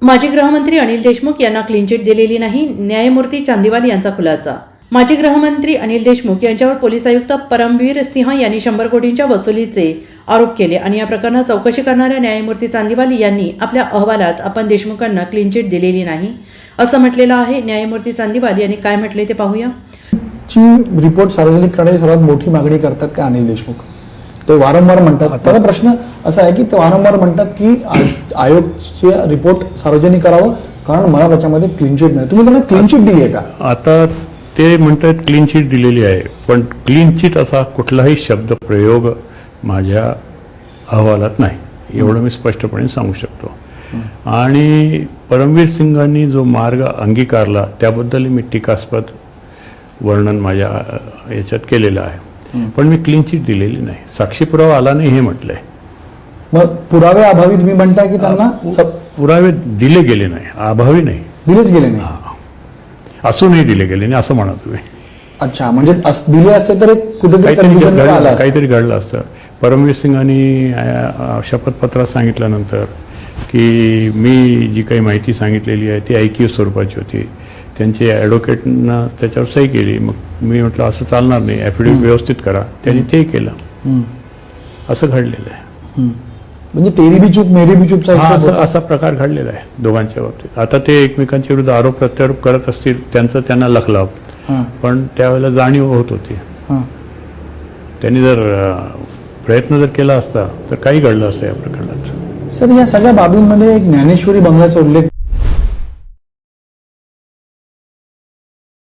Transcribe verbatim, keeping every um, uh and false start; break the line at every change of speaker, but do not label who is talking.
माजी गृहमंत्री अनिल देशमुख यांना क्लीन चिट दिलेली नाही, न्यायमूर्ती चांदीवाल यांचा खुलासा। माजी गृहमंत्री अनिल देशमुख यांच्यावर पोलीस आयुक्त परमवीर सिंह यांनी शंभर कोटींच्या वसुलीचे आरोप केले आणि या प्रकरणात चौकशी करणाऱ्या न्यायमूर्ती चांदीवाल यांनी आपल्या अहवालात आपण देशमुखांना क्लीन चिट दिलेली नाही असं म्हटलेलं आहे। न्यायमूर्ती चांदीवाल यांनी काय म्हटले ते पाहूया।
ची रिपोर्ट सार्वजनिक करण्याची सर्वात मोठी मागणी करतात ते अनिल देशमुख, ते वारंवार म्हणतात। त्याचा प्रश्न असा आहे की ते वारंवार म्हणतात की आयोगचे रिपोर्ट सार्वजनिक करावं कारण मला त्याच्यामध्ये क्लीन चिट नाही। तुम्ही त्यांना क्लीन चिट दिली आहे का?
आता ते म्हणतात क्लीन चिट दिलेली आहे, पण क्लीन चिट असा कुठलाही शब्द प्रयोग माझ्या अहवालात नाही, एवढं मी स्पष्टपणे सांगू शकतो। आणि परमवीर सिंगांनी जो मार्ग अंगीकारला त्याबद्दल मी टीकास्पद वर्णन माझ्या याच्यात केलेलं आहे, पण मी क्लीन चिट दिलेली नाही, साक्षी पुरावा आला नाही हे म्हटलंय।
मग पुरावे अभावी तुम्ही म्हणताय की त्यांना
पुरावे दिले गेले नाही, अभावी नाही,
दिलेच गेले नाही,
असूनही दिले गेले नाही असं म्हणा तुम्ही।
अच्छा, म्हणजे दिले असते तर एक कुठेतरी
काहीतरी घडलं असतं। परमवीर सिंगांनी शपथपत्रात सांगितल्यानंतर की मी जी काही माहिती सांगितलेली आहे ती ऐकीव स्वरूपाची होती, त्यांचे ॲडव्होकेटनं त्याच्यावर सही केली। मग मी म्हटलं असं चालणार नाही, ॲफिडेव्हिट व्यवस्थित करा, त्यांनी ते केलं, असं घडलेलं आहे।
म्हणजे तेरी बी चूक मेरी बी चूकचा
असा असा प्रकार घडलेला आहे दोघांच्या बाबतीत। आता ते एकमेकांच्या विरुद्ध आरोप प्रत्यारोप करत असतील, त्यांचं त्यांना लखलाव, पण त्यावेळेला जाणीव होत होती। त्यांनी जर प्रयत्न जर केला असता तर काही घडलं असतं या प्रकरणात।
सर, या सगळ्या बाबींमध्ये एक ज्ञानेश्वरी बंगल्याचा उल्लेख